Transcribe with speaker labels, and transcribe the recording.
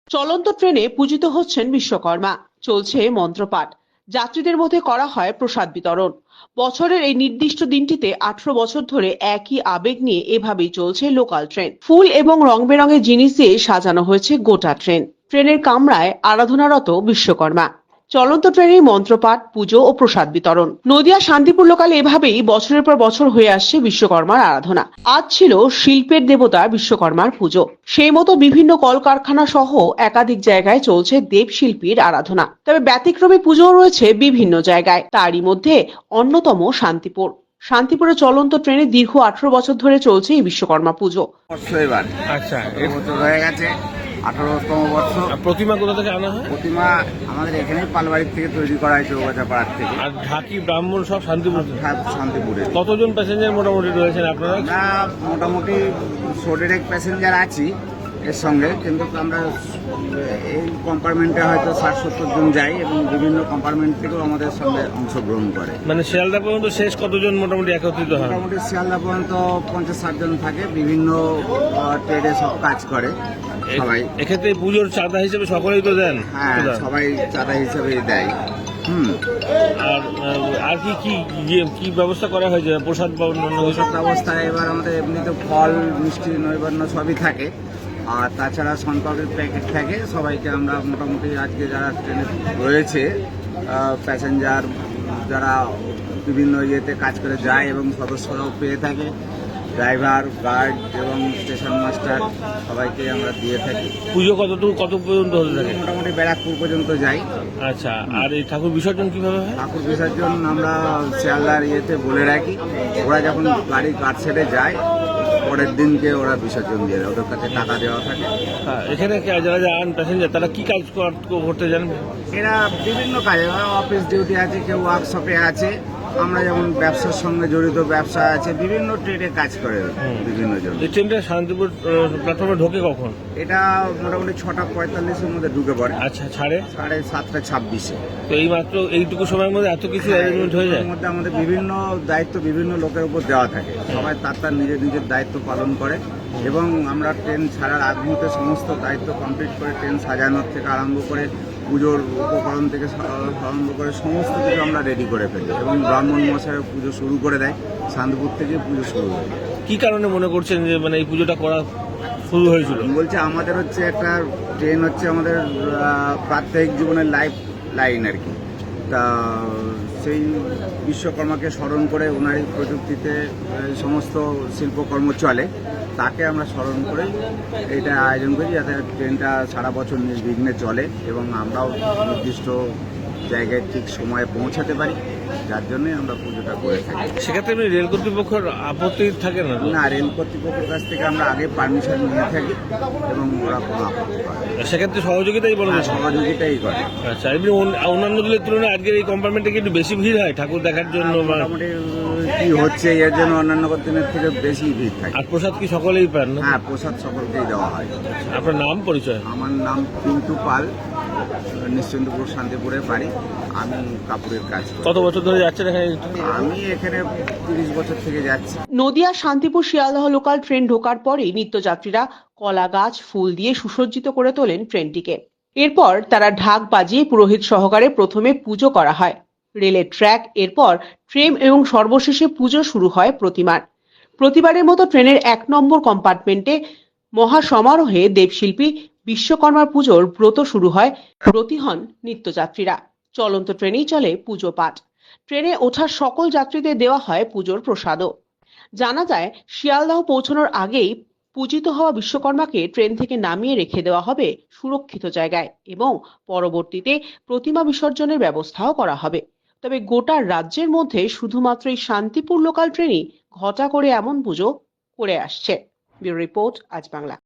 Speaker 1: চলন্ত ট্রেনে পূজিত হচ্ছেন বিশ্বকর্মা, চলছে মন্ত্রপাঠ, যাত্রীদের মধ্যে করা হয় প্রসাদ বিতরণ। বছরের এই নির্দিষ্ট দিনটিতে 18 বছর ধরে একই আবেগ নিয়ে এভাবেই চলছে লোকাল ট্রেন। ফুল এবং রং বেরঙের জিনিস দিয়ে সাজানো হয়েছে গোটা ট্রেন। ট্রেনের কামরায় আরাধনারত বিশ্বকর্মা। চলন্ত ট্রেনে মন্ত্রপাঠ, পুজো ও প্রসাদ বিতরণ। নদিয়া শান্তিপুর লোকালে এভাবেই বছরের পর বছর হয়ে আসছে বিশ্বকর্মার আরাধনা। আজ ছিল শিল্পের দেবতা বিশ্বকর্মার পুজো। সেই মতো বিভিন্ন কলকারখানা সহ একাধিক জায়গায় চলছে দেবশিল্পীর আরাধনা। তবে ব্যতিক্রমী পুজোও রয়েছে বিভিন্ন জায়গায়, তারই মধ্যে অন্যতম শান্তিপুর। শান্তিপুরে চলন্ত ট্রেনে দীর্ঘ 18 বছর ধরে চলছে এই বিশ্বকর্মা পুজো।
Speaker 2: এবার
Speaker 3: আচ্ছা,
Speaker 2: এই বছর হয়ে গেছে 18তম বর্ষ।
Speaker 3: প্রতিমা কোথা থেকে আনা হয়?
Speaker 2: প্রতিমা আমাদের এখানেই পালবাড়ির থেকে তৈরি করা হয়েছে, ওগাছা পাড়ার থেকে।
Speaker 3: আর ঢাকি ব্রাহ্মণ সব শান্তিপুর থেকে?
Speaker 2: শান্তিপুরে।
Speaker 3: কতজন প্যাসেঞ্জার মোটামুটি রয়েছেন আপনারা?
Speaker 2: আমরা মোটামুটি 100 প্যাসেঞ্জার আছি এর সঙ্গে, কিন্তু আমরা এই কম্পার্টমেন্টে হয়তো 60-70 জন যাই এবং বিভিন্ন কম্পার্টমেন্ট থেকেও আমাদের সঙ্গে অংশগ্রহণ করে।
Speaker 3: মানে শিয়ালদা পর্যন্ত শেষ কতজন মোটামুটি একত্রিত হয়?
Speaker 2: মোটামুটি শিয়ালদা পর্যন্ত 50-60 জন থাকে, বিভিন্ন ট্রেডে সব কাজ করে সবাই।
Speaker 3: এক্ষেত্রে পুজোর চাঁদা হিসেবে সকলেই তো দেন?
Speaker 2: হ্যাঁ, সবাই চাঁদা হিসেবেই দেয়।
Speaker 3: আর আর কি কি কি ব্যবস্থা করা হয়েছে? প্রসাদ বা অন্যান্য
Speaker 2: প্রসাদ ব্যবস্থা এবার আমাদের এমনিতে ফল, মিষ্টি, নৈবেদ্য সবই থাকে। আর তাছাড়া শনপাপড়ির প্যাকেট থাকে। সবাইকে আমরা মোটামুটি আজকে যারা ট্রেনে রয়েছে প্যাসেঞ্জার, যারা বিভিন্ন ইয়েতে কাজ করে যায় এবং সদস্যরাও পেয়ে থাকে, ড্রাইভার, গার্ড এবং স্টেশন মাস্টার সবাইকে আমরা দিয়ে থাকি।
Speaker 3: পুজো কত পর্যন্ত হতে থাকে?
Speaker 2: মোটামুটি ব্যারাকপুর পর্যন্ত যাই।
Speaker 3: আচ্ছা, আর এই ঠাকুর বিসর্জন কিভাবে হয়?
Speaker 2: ঠাকুর বিসর্জন আমরা শিয়ালদার ইয়েতে বলে রাখি, ওরা যখন গাড়ি কাট সেটে যায় পরের দিনকে ওরা বিসর্জন দিয়ে দেয়, ওদের কাছে টাকা দেওয়া থাকে।
Speaker 3: এখানে যারা যান প্যাসেঞ্জার তারা কি কাজ করতে জানেন?
Speaker 2: এরা বিভিন্ন কাজে, অফিস ডিউটি আছে, কেউ ওয়ার্কশপে আছে, আমরা যেমন ব্যবসার সঙ্গে জড়িত ব্যবসা আছে, বিভিন্ন ট্রেডে কাজ করে বিভিন্ন জন।
Speaker 3: এই ট্রেনটা শান্তিপুর প্ল্যাটফর্মে ঢোকে কখন?
Speaker 2: এটা মোটামুটি 6:45-এর মধ্যে ঢুকে পড়ে।
Speaker 3: আচ্ছা, ছাড়ে
Speaker 2: 7:26-এ।
Speaker 3: তো এই মাত্র এইটুকু সময়ের মধ্যে এত কিছু অ্যারেঞ্জমেন্ট হয়ে যায়?
Speaker 2: এর মধ্যে আমাদের বিভিন্ন দায়িত্ব বিভিন্ন লোকের উপর দেওয়া থাকে, সবাই তার নিজের নিজের দায়িত্ব পালন করে এবং আমরা ট্রেন ছাড়ার আগ মুহূর্তে সমস্ত দায়িত্ব কমপ্লিট করে ট্রেন সাজানোর থেকে আরম্ভ করে পুজোর উপকরণ থেকে আরম্ভ করে সমস্ত কিছু আমরা রেডি করে ফেলি এবং ব্রাহ্মণ মশাই পুজো শুরু করে দেয়। শান্তিপুর থেকে পুজো শুরু হয়।
Speaker 3: কি কারণে মনে করছেন যে মানে এই পুজোটা করা শুরু হয়েছিল?
Speaker 2: বলছে আমাদের হচ্ছে একটা ট্রেন হচ্ছে আমাদের প্রাত্যহিক জীবনের লাইফ লাইন আর কি। তা সেই বিশ্বকর্মাকে স্মরণ করে ওনারই প্রযুক্তিতে সমস্ত শিল্পকর্ম চলে, তাকে আমরা স্মরণ করেই এটা আয়োজন করি, যাতে ট্রেনটা সারা বছর নির্বিঘ্নে চলে এবং আমরাও নির্দিষ্ট জায়গায় ঠিক সময়ে পৌঁছাতে পারি, যার জন্যই আমরা পুজোটা করে থাকি।
Speaker 3: সেক্ষেত্রে আপনি রেল কর্তৃপক্ষের আপত্তি থাকে না?
Speaker 2: না, রেল কর্তৃপক্ষের কাছ থেকে আমরা আগে পারমিশন নিয়ে থাকি এবং ওরা কোনো আপত্তি করে।
Speaker 3: সেক্ষেত্রে সহযোগিতাই বলা যায়?
Speaker 2: সহযোগিতাই করে।
Speaker 3: আচ্ছা, এমনি অন্যান্য দিনের তুলনায় আজকের এই কম্পার্টমেন্টে কি একটু বেশি ভিড় হয় ঠাকুর দেখার জন্য?
Speaker 2: মোটামুটি কি হচ্ছে এর জন্য অন্যান্য দিনের থেকে বেশি ভিড় থাকে।
Speaker 3: আর প্রসাদ কি সকলেই পান?
Speaker 2: হ্যাঁ, প্রসাদ সকলকেই দেওয়া হয়।
Speaker 3: আপনার নাম পরিচয়?
Speaker 2: আমার নাম পিন্টু পাল, নিশ্চিন্তপুর শান্তিপুরে বাড়ি। আমি কাপড়ের কাজ করি।
Speaker 3: কত বছর ধরে যাচ্ছেন এখানে?
Speaker 2: আমি এখানে 30 বছর থেকে যাচ্ছি।
Speaker 1: নদিয়া শান্তিপুর শিয়ালদহ লোকাল ট্রেন ঢোকার পরেই নিত্যযাত্রীরা কলা গাছ, ফুল দিয়ে সুসজ্জিত করে তোলেন ট্রেনটিকে। এরপর তারা ঢাক বাজিয়ে পুরোহিত সহকারে প্রথমে পুজো করা হয়, রেলের ট্র্যাক, এরপর ট্রেন এবং সর্বশেষে পুজো শুরু হয় প্রতিমার। প্রতিবারের মতো ট্রেনের 1 নম্বর কম্পার্টমেন্টে মহাসমারোহে দেবশিল্পী বিশ্বকর্মার পুজোর ব্রত শুরু হয়। ব্রতী হন নিত্যযাত্রীরা। চলন্ত ট্রেনেই চলে পুজো পাঠ। ট্রেনে ওঠা সকল যাত্রীদের দেওয়া হয় পুজোর প্রসাদও। জানা যায়, শিয়ালদহ পৌঁছানোর আগেই পূজিত হওয়া বিশ্বকর্মাকে ট্রেন থেকে নামিয়ে রেখে দেওয়া হবে সুরক্ষিত জায়গায় এবং পরবর্তীতে প্রতিমা বিসর্জনের ব্যবস্থাও করা হবে। তবে গোটা রাজ্যের মধ্যে শুধুমাত্র এই শান্তিপুর লোকাল ট্রেনই ঘটা করে এমন পুজো করে আসছে। ব্যুরো রিপোর্ট, আজ বাংলা।